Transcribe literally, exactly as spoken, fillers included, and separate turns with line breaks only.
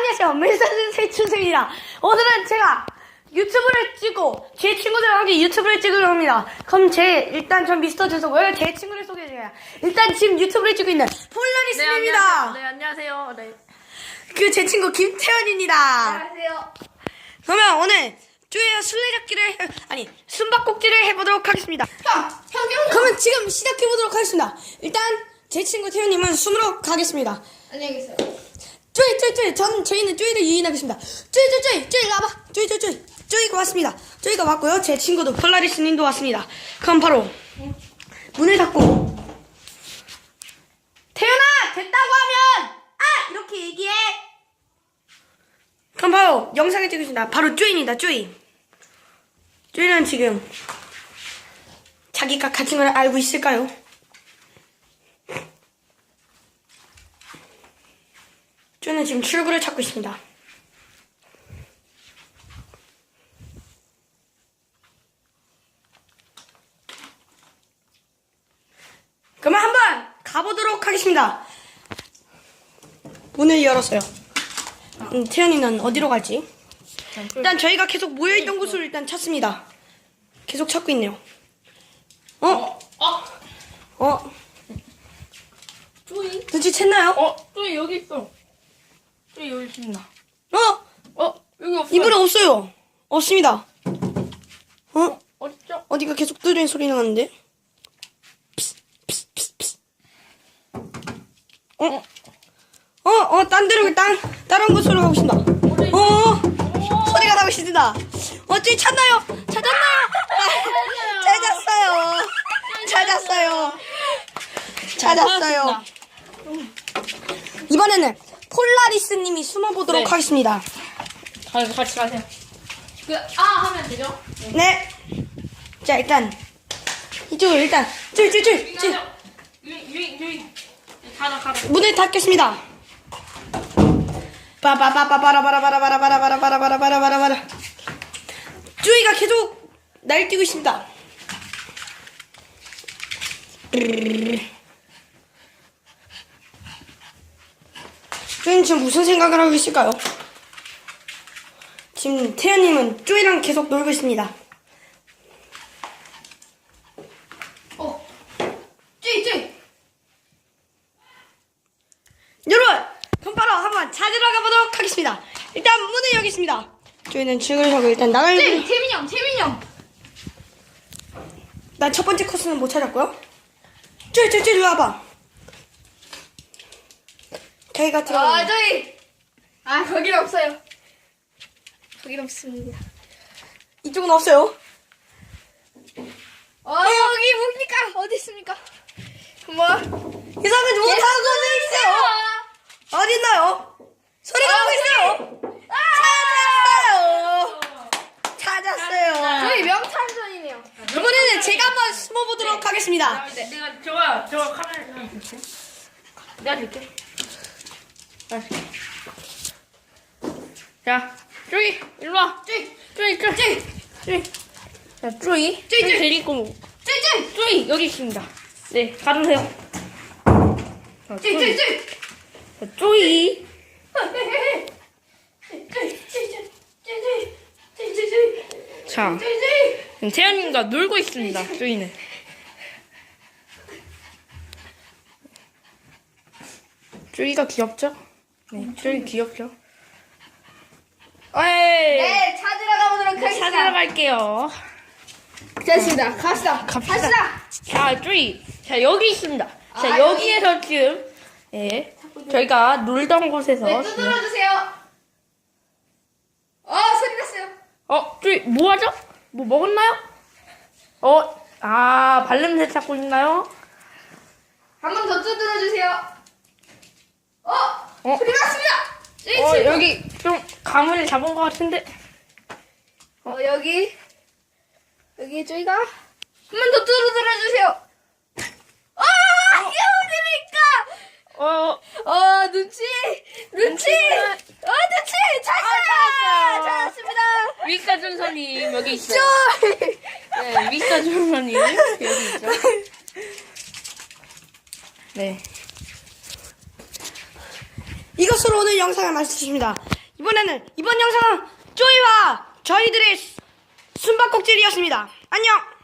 안녕하세요. 밀사진 세춘승입니다. 오늘은 제가 유튜브를 찍고 제 친구들과 함께 유튜브를 찍으려 합니다. 그럼 제 일단 전 미스터 준서고요. 제 친구를 소개해드려요. 일단 지금 유튜브를 찍고 있는 폴라리스입니다.
네, 안녕하세요. 네.
그 제 친구 김태현입니다.
안녕하세요.
그러면 오늘 쭈이와 술래잡기를 해, 아니 숨바꼭질을 해보도록 하겠습니다.
형, 형, 형.
그러면 지금 시작해보도록 하겠습니다. 일단 제 친구 태현님은 숨으로 가겠습니다.
안녕히 계세요.
쭈이 쭈이 쭈이 전 저희는 쭈이를 유인하겠습니다. 쭈이 쭈이 쭈이 쭈이 와봐. 쭈이 쭈이 쭈이 쭈이가 왔습니다. 쭈이가 왔고요. 제 친구도 폴라리스님도 왔습니다. 그럼 바로 문을 닫고 태연아 됐다고 하면 아 이렇게 얘기해. 그럼 바로 영상을 찍으신다. 바로 쭈이입니다. 쭈이. 쭈이는 지금 자기가 갇힌 걸 알고 있을까요? 쭈이는 지금 출구를 찾고 있습니다. 그러면 한번 가보도록 하겠습니다. 문을 열었어요. 음, 태연이는 어디로 갈지? 일단 저희가 계속 모여있던 곳을 일단 찾습니다. 계속 찾고 있네요. 어?
어,
어?
쪼이.
눈치챘나요?
어, 쪼이 여기 있어. 쪼이 여기 있습니다.
어?
어, 여기 없어.
이분은 없어요. 없습니다. 어?
어딨죠?
어디가 계속 뚜드리는 소리 나는데? 어? 어? 어? 딴 데로 딴 다른 곳으로 가고 싶다. 어? 어? 소리가 나고 있습니다. 어? 쭈이 찾나요? 찾았나요? 아, 찾았어요. 찾았어요. 찾았어요. 이번에는 폴라리스님이 숨어보도록
네.
하겠습니다.
같이, 같이 가세요. 그, 아, 하면 되죠?
네. 자, 일단 이쪽으로 일단 쭈이 쭈이 쭈이 쭈이
유인, 유인, 유인. 가라, 가라.
문을 닫겠습니다. 빠바바바바라바라바라바라바라바라바라바라바라. 쭈이가 계속 날뛰고 있습니다. 쭈이는 지금 무슨 생각을 하고 있을까요? 지금 태연님은 쭈이랑 계속 놀고 있습니다.
어, 쪼이, 쪼이.
여러분, 그럼 바로 한번 찾으러 가보도록 하겠습니다. 일단 문을 열겠습니다. 쭈이는 출구를 하고 일단 나갈.
쪼이, 태민이 형, 태민이 형.
난 첫 번째 코스는 못 찾았고요. 쭈이 쭈이 쭈이 일로 와봐. 저희가 들어가.
아, 쪼이. 아, 거긴 없어요. 거긴 없습니다.
이쪽은 없어요.
어, 여기 뭡니까? 어디 있습니까? 뭐?
이상은 못하고 있어요. 어디 있나요? 소리가 나고 있어요. 찾았어요. 찾았어요.
저희 명탐정이네요.
이번에는 제가 한번 숨어보도록 하겠습니다.
네, 내가 저거 저거 카메라 좀 줄게. 내가 줄게. 자, 자, 쪼이 일로 와. 쪼이, 쪼이, 쪼이, 쪼이, 쪼이. 자, 쪼이, 쪼이, 쪼이 데리고. 쪼이, 쪼이, 쪼이 여기 있습니다. 네, 가주세요. 자, 쪼이, 쪼이, 쪼이. 자, 쪼이. 자, 지금 태연님과 놀고 있습니다. 쪼이는. 쪼이가 귀엽죠? 네, 쪼이 귀엽죠? 에이!
네, 찾으러 가보도록 하겠습니다.
찾으러 갈게요.
됐습니다. 갑시다.
갑시다. 자, 쪼이. 자, 여기 있습니다. 자,
아,
여기에서 지금, 예, 저희가 놀던 곳에서.
네,
지금-
두드려 주세요. 어, 소리 났어요.
어, 쪼이, 뭐 하죠? 뭐 먹었나요? 어, 아, 발냄새 찾고 있나요?
한 번 더 두드려 주세요. 어,
어?
소리 났습니다. 네,
어,
지금.
여기 좀 가문을 잡은 것 같은데.
어, 여기. 여기 저희가 한 번 더 두드려 주세요. 아, 이게 어디입니까?
어,
어, 눈치. 눈치.
눈치는-
어, 눈치. 찾았어요.
찾았어요.
찾았습니다.
미스터 준서님 여기 있어요.
쪼이.
네, 미스터 준서님 여기 있죠. 네.
이것으로 오늘 영상을 마치겠습니다. 이번에는 이번 영상은 쪼이와 저희들의 숨바꼭질이었습니다. 안녕.